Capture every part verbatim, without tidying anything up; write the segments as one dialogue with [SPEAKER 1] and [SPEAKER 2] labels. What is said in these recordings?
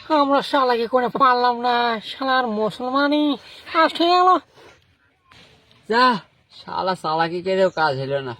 [SPEAKER 1] আমরা শালাকে করে পারলাম না, শালার মুসলমানই ফার্স্ট হয়ে গেল।
[SPEAKER 2] যা শালা চালাকি করেও কাজ হলো না।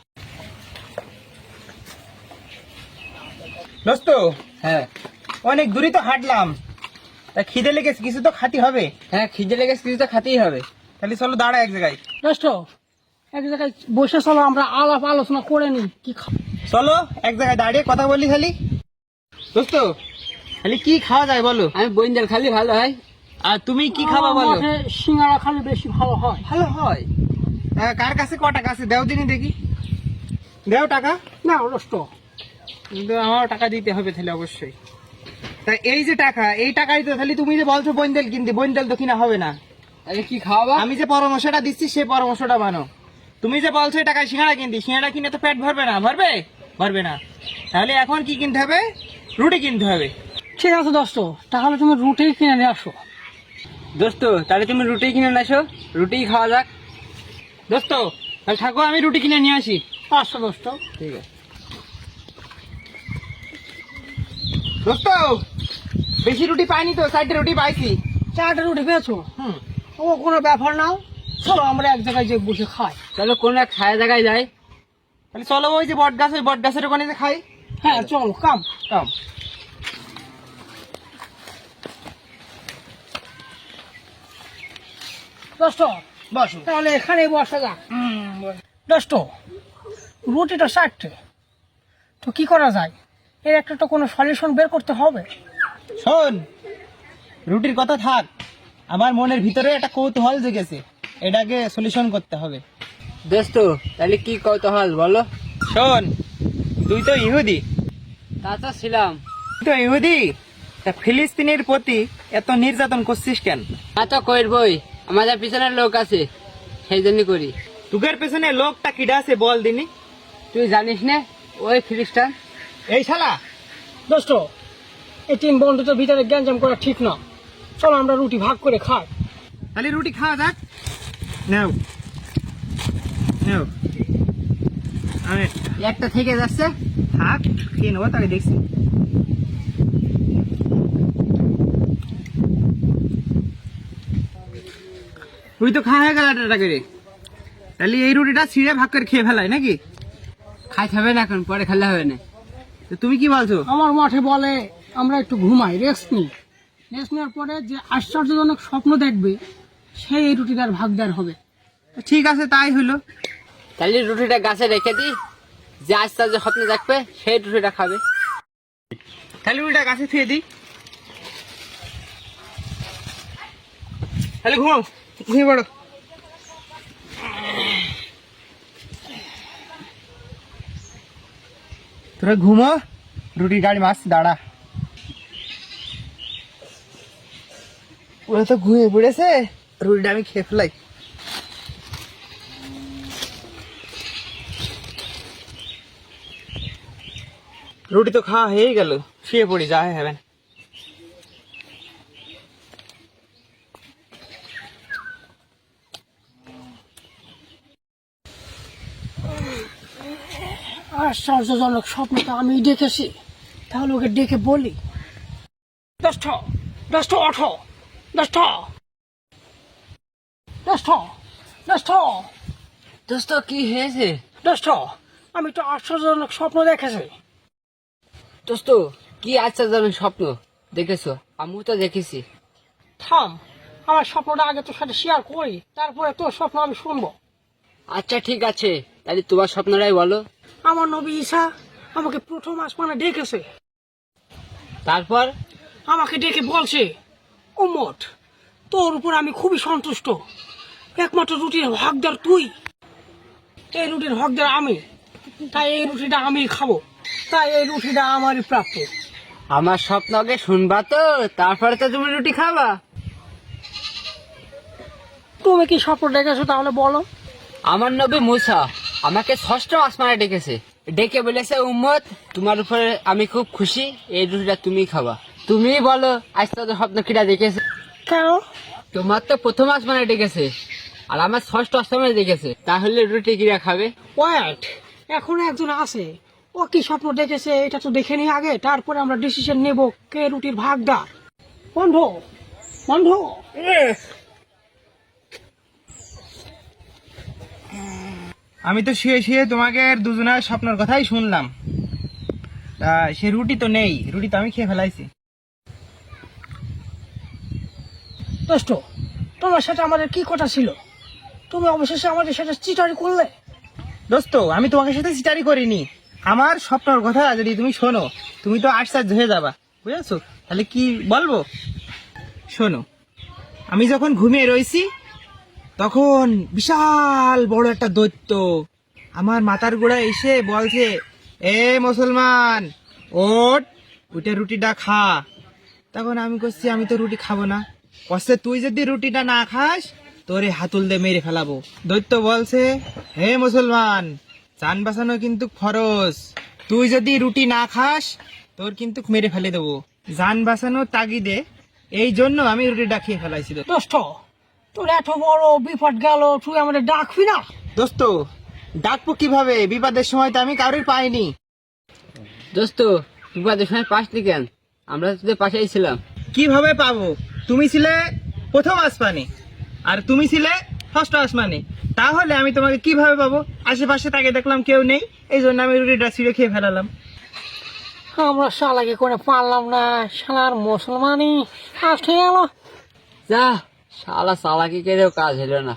[SPEAKER 3] দোস্ত,
[SPEAKER 2] হ্যাঁ
[SPEAKER 3] অনেক দূরই তো হাঁটলাম, তা খিদে লেগেছে, কিছু তো খাতি হবে।
[SPEAKER 2] হ্যাঁ খিদে লেগেছে, কিছু তো খাতেই হবে।
[SPEAKER 3] তাহলে চলো দাঁড়া এক জায়গায়।
[SPEAKER 1] দোস্ত, এক জায়গায় বসে চলো, আমরা আলাপ আলোচনা করে নি কি খাবো।
[SPEAKER 3] চলো এক জায়গায় দাঁড়িয়ে কথা বলি খালি। দোস্ত, খালি কি খাওয়া যায় বলো?
[SPEAKER 2] আমি বইন্দাল খালি ভালো হয়।
[SPEAKER 3] আর তুমি কি খাবা বলো?
[SPEAKER 1] মাঠে সিঙ্গারা খালি বেশি ভালো হয়।
[SPEAKER 2] ভালো হয়।
[SPEAKER 3] আহ, কার কাছে ক টাকা আছে দেও দিনই দেখি। দেও টাকা।
[SPEAKER 1] না দোস্ত,
[SPEAKER 3] কিন্তু আমার টাকা দিতে হবে তাহলে অবশ্যই। তা এই যে টাকা, এই টাকাই তো তাহলে তুমি যে বলছো বইন্দেল কিনতে, বইন্দেল তো কিনা হবে না।
[SPEAKER 2] তাহলে কি খাওয়াবা?
[SPEAKER 3] আমি যে পরামর্শটা দিচ্ছি সেই পরামর্শটা মানো। তুমি যে বলছো এই টাকায় সিঙ্গাড়া কিনতে, সিঙ্গাড়া কিনে তো পেট ভরবে না, ভরবে ভরবে না। তাহলে এখন কি কিনতে হবে? রুটি কিনতে হবে।
[SPEAKER 1] ঠিক আছে দোস্ত, তাহলে তুমি রুটি কিনে নিয়ে আসো।
[SPEAKER 2] দোস্ত তাহলে তুমি রুটি কিনে আসো, রুটি খাওয়া যাক।
[SPEAKER 3] দোস্ত তাহলে থাকো, আমি রুটি কিনে নিয়ে আসি।
[SPEAKER 1] পাঁচশো দোস্ত।
[SPEAKER 2] ঠিক আছে।
[SPEAKER 3] দোস্ত বেশি রুটি পাইনি তো, চারটে রুটি পাইছি।
[SPEAKER 1] চারটে রুটি পেয়েছো?
[SPEAKER 3] হুম।
[SPEAKER 1] ও কোনো ব্যাপার না, চলো আমরা এক জায়গায় যে বসে খাই।
[SPEAKER 2] চলো কোন এক খায় জায়গায় যাই।
[SPEAKER 3] তাহলে চলো ওই যে বট গাছ, ওই বট গাছের ওখানে যে খাই।
[SPEAKER 1] হ্যাঁ চলো, কাম
[SPEAKER 3] কাম।
[SPEAKER 1] দোস্ত
[SPEAKER 3] বসো।
[SPEAKER 1] তাহলে এখানেই বসা যাক। দোস্ত, রুটিটা চারটে, তো কি করা যায়? এর একটা তো কোনো সলিউশন বের করতে হবে।
[SPEAKER 3] শোন, রুটির কথা থাক, আমার মনের ভিতরে একটা কৌতূহল জেগেছে, এটাকে সলিউশন করতে হবে।
[SPEAKER 2] দোস্ত তাহলে কি কৌতূহল বলো।
[SPEAKER 3] শোন, তুই তো ইহুদি,
[SPEAKER 2] তা তো ছিলাম।
[SPEAKER 3] তুই তো ইহুদি, তা ফিলিস্তিনের প্রতি এত নির্যাতন করছিস কেন?
[SPEAKER 2] তা তো করবই, আমাদের পিছনের লোক আছে সেই জন্য করি।
[SPEAKER 3] তুগের পেছনে লোকটা কিডা আছে বল দিনি।
[SPEAKER 2] তুই জানিস না, ওই খ্রিস্টান।
[SPEAKER 3] এই শালা,
[SPEAKER 1] দোস্ত, এই তিন বন্ধুদের ভিতরে গ্যাঞ্জাম করা ঠিক না, চলো আমরা রুটি ভাগ করে খাই।
[SPEAKER 3] খালি রুটি খাওয়া যাক। নাও নাও, আরে
[SPEAKER 2] একটা থেকে যাচ্ছে।
[SPEAKER 3] থাক, খেয়ে নেবো, তাকে দেখছি। রুটি তো খাওয়া হয়ে গেল একটা করে, তাহলে এই রুটিটা ছিঁড়ে ভাগ করে খেয়ে ফেলাই নাকি?
[SPEAKER 2] খাইতে হবে না, এখন পরে খেলে হবে না।
[SPEAKER 3] তো তুমি কি বলছো?
[SPEAKER 1] আমার মাঠে বলে আমরা একটু ঘুমাই, রেস্ট নিই। রেস্ট নেওয়ার পরে যে আশ্চর্যজনক স্বপ্ন দেখবে সেই এই রুটিটার ভাগদার হবে।
[SPEAKER 3] ঠিক আছে, তাই হলো।
[SPEAKER 2] তাহলে রুটিটা গাছে রেখে দিই, যে আস্তে আস্তে স্বপ্ন দেখবে সেই রুটিটা খাবে।
[SPEAKER 3] তাহলে রুটিটা গাছে থুয়ে দিই। তাহলে ঘুমাও, ঘুমিয়ে পড়ো। তোরা ঘুমো, রুটি গাড়ি মাছ দাঁড়া। ওরা তো ঘুমিয়ে পড়েছে, রুটিটা আমি খেয়ে ফেলাই। রুটি তো খাওয়া হয়েই গেল, শুয়ে পড়ি, যা হয় হবে।
[SPEAKER 1] আশ্চর্যজনক স্বপ্নটা আমি দেখেছি, তাহলে ওকে ডেকে বলি। দশটা দশটা আঠো দশটা দশটা দশটা
[SPEAKER 2] দোস্ত কি হয়েছে?
[SPEAKER 1] দশটা আমি তো আশ্চর্যজনক স্বপ্ন দেখেছি।
[SPEAKER 2] দোস্ত কি আশ্চর্যজনক স্বপ্ন দেখেছো? আমিও তো দেখেছি।
[SPEAKER 1] থাম, আমার স্বপ্নটা আগে তোর সাথে শেয়ার করি, তারপরে তোর স্বপ্ন আমি শুনবো।
[SPEAKER 2] আচ্ছা ঠিক আছে, তাহলে তোমার স্বপ্নটাই বলো।
[SPEAKER 1] আমার নবী ঈসা আমাকে প্রথম আসমানে ডেকেছে,
[SPEAKER 2] তারপর?
[SPEAKER 1] আমাকে ডেকে বলছে, উম্মত, তোর উপর আমি খুবই সন্তুষ্ট, একমাত্র রুটির হকদার তুই, এই রুটির হকদার আমি, তাই এই রুটিটা আমি খাবো, তাই এই রুটিটা আমারই প্রাপ্য।
[SPEAKER 2] আমার স্বপ্ন আগে শুনবা তো, তারপরে তো তুমি রুটি খাবা।
[SPEAKER 1] তুমি কি স্বপ্ন দেখেছো তাহলে বলো।
[SPEAKER 2] আমার নবী মুসা আমাকে ষষ্ঠ আসমানে ডেকেছে, ডেকে বলেছে, উম্মত তোমার উপরে আমি খুব খুশি, এই রুটিটা তুমি খাবা। তুমি বলো আজ তাদের স্বপ্ন কিটা দেখেছে?
[SPEAKER 1] কেন?
[SPEAKER 2] তোমার তো প্রথম আসমানে ডেকেছে, আর আমার ষষ্ঠ আসমানে ডেকেছে, তাহলে রুটি কিরা খাবে?
[SPEAKER 1] ওয়েট, এখন একজন আছে, ও কি স্বপ্ন দেখেছে এটা তো দেখে নি আগে, তারপরে আমরা ডিসিশন নেব কে রুটির ভাগদার। বন্ধু বন্ধু
[SPEAKER 3] আমি তো শুয়ে শুয়ে তোমাকে দুজনের স্বপ্নের কথাই শুনলাম। তা সে রুটি তো নেই, রুটি তো আমি খেয়ে ফেলাইছি।
[SPEAKER 1] দোস্ত, তোমার সাথে আমাদের কি কথা ছিল? তুমি অবশেষে আমাদের সাথে চিটারি করলে।
[SPEAKER 3] দোস্ত, আমি তোমাকে সাথে সিটারি করিনি। আমার স্বপ্নের কথা যদি তুমি শোনো, তুমি তো আশ্চর্য হয়ে যাবা, বুঝেছো? তাহলে কি বলবো, শোনো। আমি যখন ঘুমিয়ে রয়েছি, তখন বিশাল বড় একটা দৈত্য আমার মাথার গোড়ায় এসে বলছে, এ মুসলমান, ওঠ, ওইটা রুটিটা খা। তখন আমি করছি, আমি তো রুটি খাবো না। কষ্টে তুই যদি রুটিটা না খাস, তোরে হাতুল দিয়ে মেরে ফেলাবো। দৈত্য বলছে, হে মুসলমান, জান বাঁচানো কিন্তু ফরজ। তুই যদি রুটি না খাস, তোর কিন্তু মেরে ফেলে দেবো। জান বাঁচানোর তাগিদে এই জন্য আমি রুটিটা খেয়ে ফেলাইছি।
[SPEAKER 1] দোস্ত, তোর এত বড় বিপদ গেল, তুই আমাদের ডাকবি না?
[SPEAKER 3] দোস্ত, ডাকবো কিভাবে? বিপদের সময় তো আমি কারোর পাইনি।
[SPEAKER 2] দোস্ত, বিপদের সময় পাসনি কেন? আমরা তো তোদের পাশেই ছিলাম।
[SPEAKER 3] কিভাবে পাবো? তুমি ছিলে প্রথম আসমানে, আর তুমি ছিলে ষষ্ঠ আসমানে। তাহলে আমি তোমাকে কিভাবে পাবো? আশেপাশে তাকে দেখলাম কেউ নেই, এই জন্য আমি রুটিটা ছিঁড়ে খেয়ে ফেলালাম।
[SPEAKER 1] আমরা শালাকে করে পারলাম না, শালার মুসলমানই আসতে গেল।
[SPEAKER 2] যা, শালা চালাকি করেও কাজ হলো না।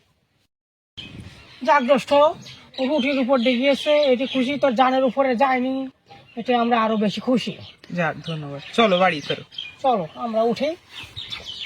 [SPEAKER 1] যাক দোস্ত, ও রুটির উপর দেখিয়েছে, এটি খুশি, তোর জানের উপরে যায়নি, এতে আমরা আরো বেশি খুশি।
[SPEAKER 3] যাক, ধন্যবাদ। চলো বাড়ি চলো।
[SPEAKER 1] চলো আমরা উঠি।